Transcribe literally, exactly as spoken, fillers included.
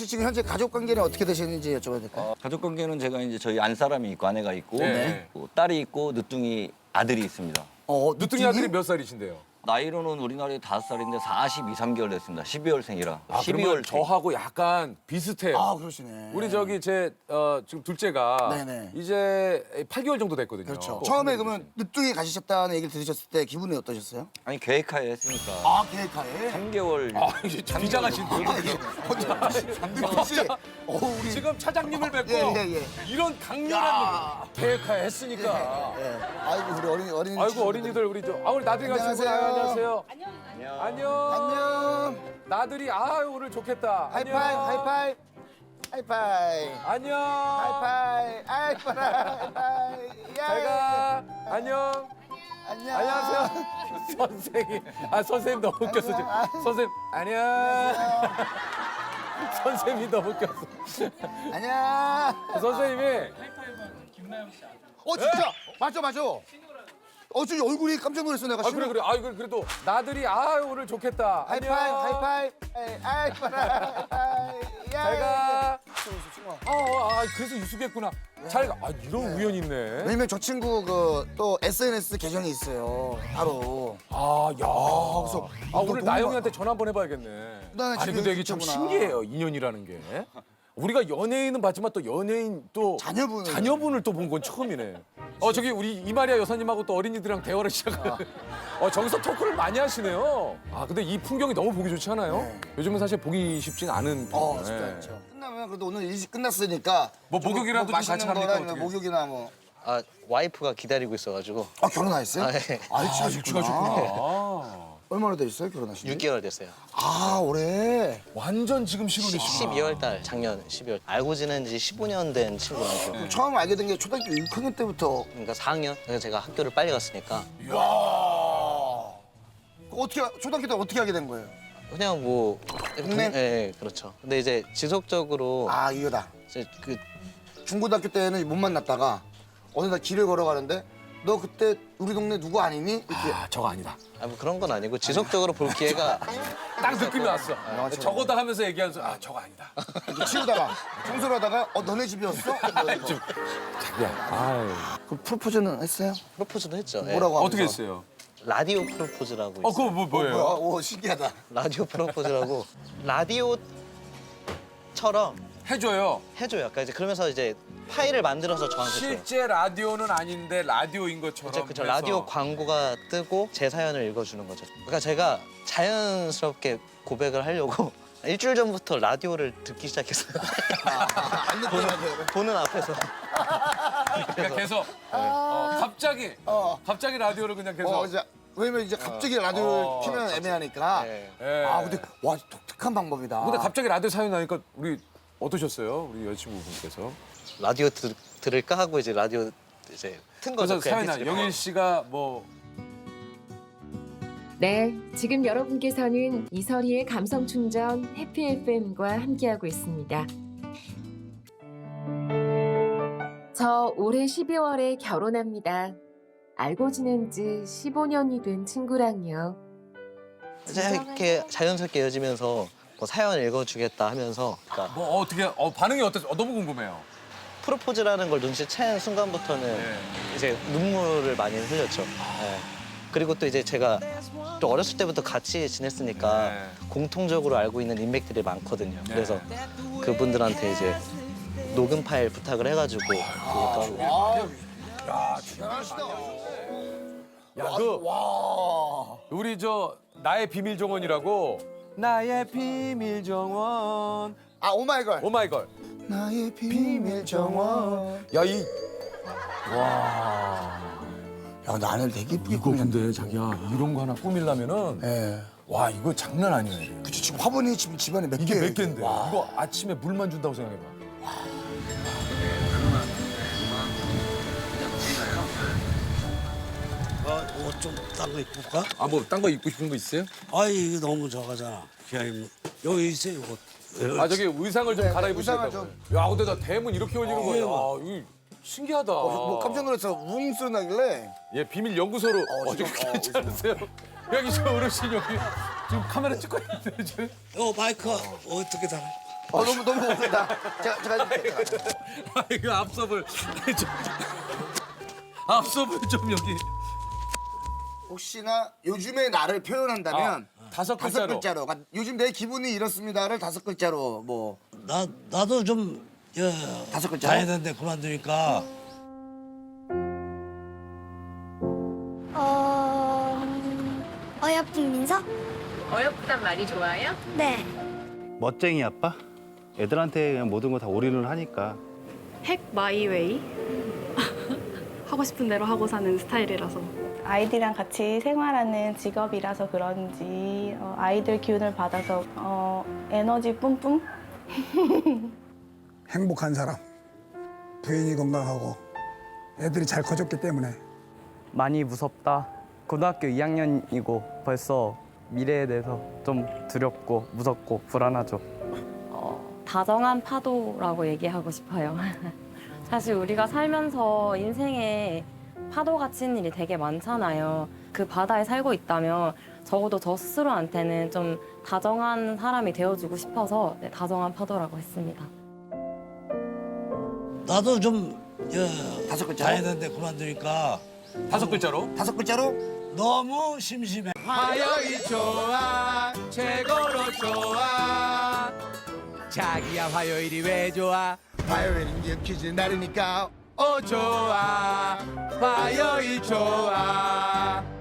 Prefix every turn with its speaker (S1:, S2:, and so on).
S1: 지금 현재 가족 관계는 어떻게 되시는지 여쭤봐도 될까요?
S2: 어, 가족 관계는 제가 이제 저희 안 사람이 있고 아내가 있고
S3: 네.
S2: 또 딸이 있고 늦둥이 아들이 있습니다.
S1: 어,
S3: 누뚱이 아들이 몇 살이신데요?
S2: 나이로는 우리나라에 다섯 살인데 사십이, 삼 개월 됐습니다. 십이월생이라.
S3: 아,
S2: 십이월
S3: 그러면 저하고 약간 비슷해요.
S1: 아, 그러시네.
S3: 우리 저기 제 어, 지금 둘째가
S1: 네네.
S3: 이제 팔 개월 정도 됐거든요.
S1: 그렇죠.
S3: 또
S1: 처음에
S3: 한국에
S1: 그러면 늦둥이 가셨다는 얘기를 들으셨을 때 기분이 어떠셨어요?
S2: 아니 계획하에 했으니까
S1: 아, 계획하에?
S2: 삼 개월.
S3: 계신. 아, 이게 비장하신 분.
S1: 혼자 혹시 어, 우리
S3: 지금 차장님을 뵙고
S1: 예, 예, 예.
S3: 이런 강렬한 계획하에 했으니까.
S1: 예. 아이고 우리 어린이 어린이
S3: 아이고
S1: 친구들.
S3: 어린이들 우리 저 아 우리 나들이 가시는
S1: 안녕하세요.
S3: 안녕하세요.
S2: 안녕.
S3: 안녕.
S1: 안녕.
S3: 나들이 아유 오늘 좋겠다.
S1: 하이파이
S3: 안녕.
S1: 하이파이 하이파이
S3: 안녕.
S1: 하이파이 하이파이 하이파이
S3: 잘가. 안녕.
S1: 안녕.
S3: 안녕하세요. 선생님. 아 선생님 너무 웃겼어 지금.
S1: 안녕.
S3: 선생님 안녕. 선생님이 너무 웃겼어.
S1: 안녕.
S3: 선생님이
S1: 어 진짜 맞아 맞아. 어 저기 얼굴이 깜짝 놀랐어 내가.
S3: 아 그래 그래. 아 이거 그래도 나들이 아유 오늘 좋겠다.
S1: 하이파이
S3: 안녕.
S1: 하이파이 하이파이 하이파이.
S3: 잘가.
S1: 친구야.
S3: 아, 아, 아 그래서 유숙했구나. 잘 가. 아 이런 우연이 있네.
S1: 왜냐면 저 친구 그 또 에스엔에스 계정이 있어요. 따로.
S3: 아, 야.
S1: 그래서
S3: 아, 오늘
S1: 너무
S3: 나영이한테 전화 한번 해봐야겠네.
S1: 나는
S3: 아니,
S1: 지금
S3: 근데 이게 참
S1: 진짜구나.
S3: 신기해요, 인연이라는 게. 우리가 연예인은 봤지만 또 연예인 또
S1: 자녀분을.
S3: 자녀분을 또 본 건 처음이네. 어, 저기 우리 이마리아 여사님하고 또 어린이들이랑 대화를 시작하는. 어, 저기서 토크를 많이 하시네요. 아, 근데 이 풍경이 너무 보기 좋지 않아요?
S1: 네.
S3: 요즘은 사실 보기 쉽진 않은.
S1: 어,
S3: 네.
S1: 진짜 그렇죠. 끝나면 그래도 오늘 일찍 끝났으니까
S3: 뭐
S1: 좀
S3: 목욕이라도 좀
S1: 맛있는
S3: 같이 합니까,
S1: 거나 아니면
S3: 어떻게?
S1: 목욕이나 뭐.
S4: 아 와이프가 기다리고 있어가지고
S1: 아 결혼하셨어요?
S4: 아, 예.
S1: 아, 일찍
S3: 아,
S1: 하셨구나.
S3: 일찍 하셨구나. 아.
S1: 얼마나 되셨어요 결혼하신 지?
S4: 육 개월 됐어요.
S1: 아 올해.
S3: 완전 지금 신혼이시구나.
S4: 십이월 달 작년 십이월 알고 지낸 지 십오 년 된 친구랑요.
S1: 그럼 처음 알게 된 게 초등학교 육 학년 때부터.
S4: 그러니까 사 학년. 그래서 제가 학교를 빨리 갔으니까
S1: 이야. 어떻게 초등학교 때 어떻게 하게 된 거예요?
S4: 그냥 뭐
S1: 동네?
S4: 예, 예, 그렇죠. 근데 이제 지속적으로
S1: 아 이거다.
S4: 이제 그
S1: 중고등학교 때는 못 만났다가 어느 날 길을 걸어가는데 너 그때 우리 동네 누구 아니니? 이렇게.
S3: 아, 저거 아니다.
S4: 아, 뭐 그런 건 아니고 지속적으로 볼 기회가
S3: 딱 느낌이 왔어.
S1: 맞아.
S3: 저거다 하면서 얘기하면서 아 저거 아니다.
S1: 이렇게 치우다가 청소를 하다가 어 너네 집이었어? 이러면서.
S3: 자기야. 아유.
S1: 그럼 프로포즈는 했어요?
S4: 프로포즈도 했죠. 예.
S1: 뭐라고 하면서?
S3: 어떻게 했어요?
S4: 라디오 프로포즈라고
S3: 어
S4: 있어요.
S3: 그거 뭐 뭐예요?
S1: 뭐야? 오 신기하다.
S4: 라디오 프로포즈라고 라디오처럼
S3: 해줘요.
S4: 해줘요. 그러니까 이제 그러면서 이제 파일을 만들어서 저한테 줘요.
S3: 실제 라디오는 아닌데 라디오인 것처럼.
S4: 그쵸, 그쵸.
S3: 해서.
S4: 라디오 광고가 뜨고 제 사연을 읽어주는 거죠. 그러니까 제가 자연스럽게 고백을 하려고 일주일 전부터 라디오를 듣기 시작했어요. 보는, 보는 앞에서.
S3: 그러니까 계속 어, 갑자기
S1: 어.
S3: 갑자기 라디오를 그냥 계속.
S1: 어 이제 왜냐면 이제 갑자기 라디오를
S3: 어,
S1: 키면 애매하니까.
S4: 예.
S3: 예.
S1: 아 근데 와 독특한 방법이다.
S3: 근데 갑자기 라디오 사연 나니까 우리 어떠셨어요? 우리 여자친구분께서.
S4: 라디오 들, 들을까 하고 이제 라디오 이제 튼 거죠.
S3: 그래서
S4: 그
S3: 사연 나
S4: 엠피쓰리.
S3: 영일 씨가 뭐
S5: 네, 지금 여러분께서는 이설희의 감성 충전 해피 에프엠과 함께하고 있습니다. 저 올해 십이월에 결혼합니다. 알고 지낸 지 십오 년이 된 친구랑요.
S4: 이제 이렇게 자연스럽게 이어지면서 뭐 사연 읽어주겠다 하면서 그러니까
S3: 뭐 어떻게 어, 반응이 어땠어? 어, 너무 궁금해요.
S4: 프로포즈라는 걸 눈치챈 순간부터는
S3: 네.
S4: 이제 눈물을 많이 흘렸죠. 예. 그리고 또 이제 제가 또 어렸을 때부터 같이 지냈으니까
S3: 네.
S4: 공통적으로 알고 있는 인맥들이 많거든요.
S3: 네.
S4: 그래서 그분들한테 이제 녹음 파일 부탁을 해가지고 그러니까
S3: 야,
S1: 대단하시다.
S3: 야, 그
S1: 와.
S3: 우리 저 나의 비밀 정원이라고 나의 비밀 정원
S1: 아 오마이걸.
S3: 오마이걸
S1: 나의 비밀 정원.
S3: 야이
S1: 야 나는 되게 이쁘게
S3: 이거
S1: 꾸몄네.
S3: 근데 자기야 이런 거 하나 꾸밀려면은
S1: 예.
S3: 와 이거 장난 아니에요.
S1: 그치 지금 화분이 지금 집안에 몇
S3: 이게
S1: 개.
S3: 몇 개인데 이거 아침에 물만 준다고 생각해봐.
S6: 어, 좀 딴 거 입고 올까?
S3: 아 뭐 딴 거 입고 싶은 거 있어요?
S6: 아이, 이거 너무 저거잖아. 그냥 여기 있어요, 이거.
S3: 아 저기 의상을 좀
S1: 네,
S3: 갈아입으시다고.
S1: 의상을
S3: 야 근데 나 대문 이렇게 열리는
S6: 어,
S3: 거야.
S6: 예,
S3: 아,
S6: 뭐.
S3: 이거 신기하다.
S1: 뭐 깜짝 놀라서 웅 소리 나길래.
S3: 예 비밀 연구소로
S1: 어,
S3: 어, 떻게
S1: 지금, 어,
S3: 괜찮으세요? 여기 저 어르신 여기 지금 카메라 찍고 있는데 지금.
S6: 어, 마이크가 어떻게 달아?
S1: 어 너무 너무 고맙습니다. 제가 제가 해줄게요. 제가.
S3: 아, 이거 앞섭을 좀, 앞섭을 좀 여기
S1: 혹시나 요즘의 나를 표현한다면
S3: 아, 다섯
S1: 다섯
S3: 글자로.
S1: 글자로. 그러니까 요즘 내 기분이 이렇습니다를 다섯 글자로 뭐
S6: 나 나도 좀 야,
S1: 다섯 글자?
S6: 다해야 되는데 그만두니까
S7: 어... 어여쁜 민서?
S5: 어여쁘단 말이 좋아요?
S7: 네.
S8: 멋쟁이 아빠? 애들한테 그냥 모든 거 다 올인을 하니까.
S9: 핵 마이웨이 하고 싶은 대로 하고 사는 스타일이라서
S10: 아이들이랑 같이 생활하는 직업이라서 그런지 어, 아이들 기운을 받아서 어, 에너지 뿜뿜?
S11: 행복한 사람, 부인이 건강하고 애들이 잘 커졌기 때문에
S12: 많이 무섭다. 고등학교 이 학년이고 벌써 미래에 대해서 좀 두렵고 무섭고 불안하죠.
S10: 어, 다정한 파도라고 얘기하고 싶어요.
S5: 사실 우리가 살면서 인생에 파도가 치는 일이 되게 많잖아요. 그 바다에 살고 있다면 적어도 저 스스로한테는 좀 다정한 사람이 되어주고 싶어서 네, 다정한 파도라고 했습니다.
S6: 나도 좀 야,
S1: 다섯 글자로?
S6: 다해야 되는데 그만두니까
S3: 다섯 글자로.
S1: 다섯 글자로
S6: 너무 심심해.
S3: 화요일 좋아 최고로 좋아 자기야 화요일이 왜 좋아
S1: 화요일은 퀴즈 날이니까
S3: 어 좋아 화요일 좋아